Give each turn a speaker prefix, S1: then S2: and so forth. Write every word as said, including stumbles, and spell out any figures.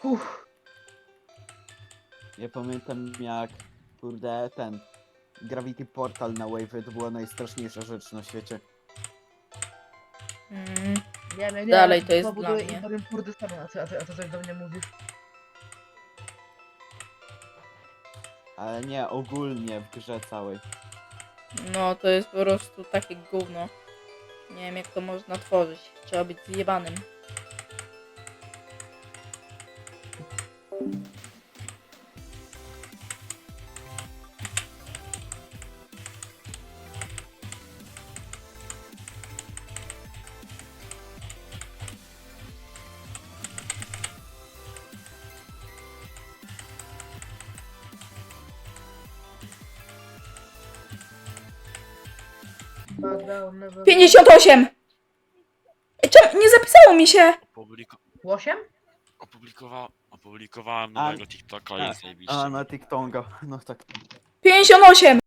S1: Uff.
S2: Ja pamiętam jak, kurde, ten Gravity Portal na Wave to była najstraszniejsza rzecz na świecie.
S3: Mm,
S1: Nie, nie, nie.
S3: Dalej to jest
S1: pobuduję
S3: dla mnie.
S1: Imperium Kurdystanu, a ty, a ty, a ty coś do mnie mówisz?
S2: Ale nie, ogólnie w grze całej.
S3: no to jest po prostu takie gówno. Nie wiem jak to można tworzyć. Trzeba być zjebanym.
S1: Background never-
S3: pięćdziesiąt osiem! Ej, czemu nie zapisało mi się?
S4: Opubliko
S1: Osiem?
S4: opublikowa opublikowałem
S2: A-
S4: nowego TikToka
S2: A,
S4: i zajebiście.
S2: a na TikToka, no tak.
S3: pięćdziesiąt osiem!